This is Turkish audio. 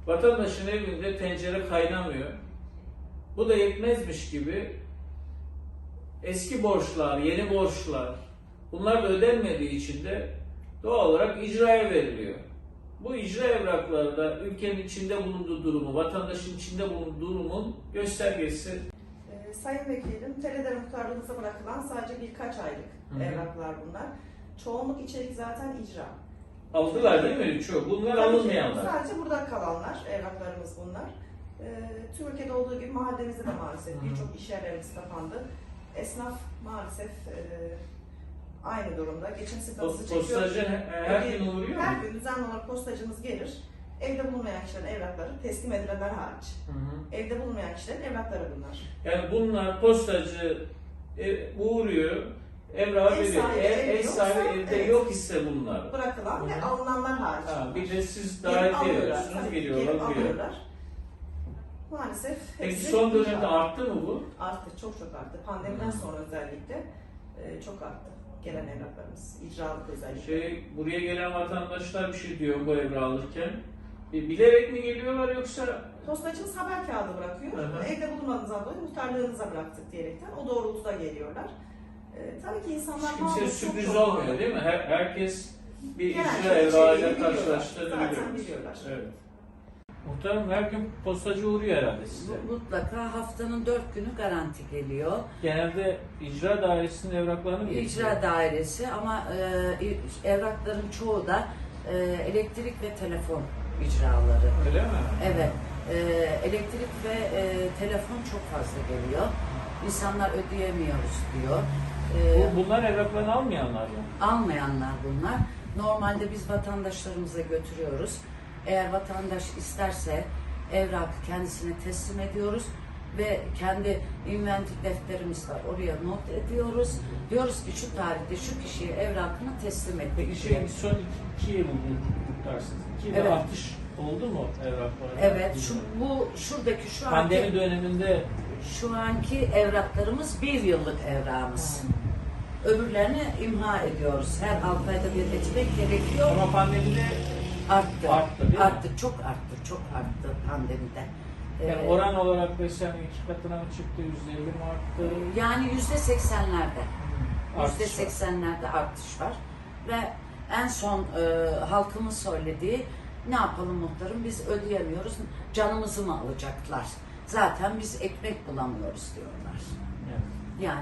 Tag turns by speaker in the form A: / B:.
A: Vatandaşın evinde tencere kaynamıyor. Bu da yetmezmiş gibi eski borçlar, yeni borçlar, bunlar da ödenmediği için de doğal olarak icraya veriliyor. Bu icra evrakları da ülkenin içinde bulunduğu durumu, vatandaşın içinde bulunduğu durumun göstergesi.
B: Sayın Vekilim, TRT muhtarlığımıza bırakılan sadece birkaç aylık evraklar bunlar. Çoğunluk içerik zaten icra.
A: Aldılar değil mi? Çoğu. Bunlar alınmayanlar.
B: Sadece burada kalanlar, evraklarımız bunlar. Tüm ülkede olduğu gibi mahallemizde de maalesef birçok iş yerlerimiz kapandı. Esnaf maalesef aynı durumda. Geçim sıkıntısı çekiyor.
A: Postacı her gün uğruyor mu?
B: Her gün düzenli olarak postacımız gelir. Evde bulunmayan kişilerin evrakları, teslim edilenler hariç. Evde bulunmayan kişilerin evrakları bunlar.
A: Yani bunlar postacı uğruyor, evrağı veriyor. Ev sahibi evde yok ise bunlar.
B: Bırakılan ve alınanlar hariç.
A: Bir de siz davet ediyorsunuz, geliyorlar, alıyorlar.
B: Maalesef.
A: Peki son dönemde arttı mı bu?
B: Arttı, çok arttı. Pandemiden sonra özellikle çok arttı gelen evraklarımız, icralık özellikle.
A: Buraya gelen vatandaşlar bir şey diyor bu evrağı alırken. Bilerek mi geliyorlar yoksa?
B: Postacımız haber kağıdı bırakıyor. Evde bulunmadığınızdan dolayı muhtarlığınıza bıraktık diyerekten o doğrultuda geliyorlar. Tabii ki insanlar...
A: Kimse sürpriz olmuyor değil mi? Herkes bir icra evrağıyla karşılaştığını biliyorlar. Evet. Muhtarım her gün postacı uğruyor herhalde size.
C: Mutlaka haftanın 4 günü garanti geliyor.
A: Genelde icra dairesinin evraklarını mı getiriyor?
C: İcra dairesi ama evrakların çoğu da elektrik ve telefon icraları.
A: Öyle mi?
C: Evet. Elektrik ve telefon çok fazla geliyor. İnsanlar ödeyemiyoruz diyor.
A: Bunlar evraklarını almayanlar mı?
C: Almayanlar bunlar. Normalde biz vatandaşlarımıza götürüyoruz. Eğer vatandaş isterse evrakı kendisine teslim ediyoruz ve kendi inventik defterimiz var. Oraya not ediyoruz. Diyoruz ki şu tarihte şu kişiye evrakını teslim et.
A: Peki son 2 yıl kutlarsınız. 2 yılda
C: Evet.
A: artış oldu mu evraklarda?
C: Evet. Şuradaki şu anki
A: Pandemi döneminde
C: şu anki evraklarımız 1 yıllık evrağımız. Öbürlerini imha ediyoruz. Her 6 ayda bir etmek gerekiyor.
A: ama pandemide
C: Arttı.
A: Arttı, değil mi?
C: Arttı. Çok arttı. Çok arttı pandemide.
A: yani oran olarak mesela 2 katına mı çıktı, %50 mi arttı?
C: Yani %80'lerde.
A: Artış var.
C: %80'lerde artış var. Ve en son halkımın söylediği, ne yapalım muhtarım, biz ödeyemiyoruz, canımızı mı alacaklar? Zaten biz ekmek bulamıyoruz diyorlar.
A: Evet.
C: Yani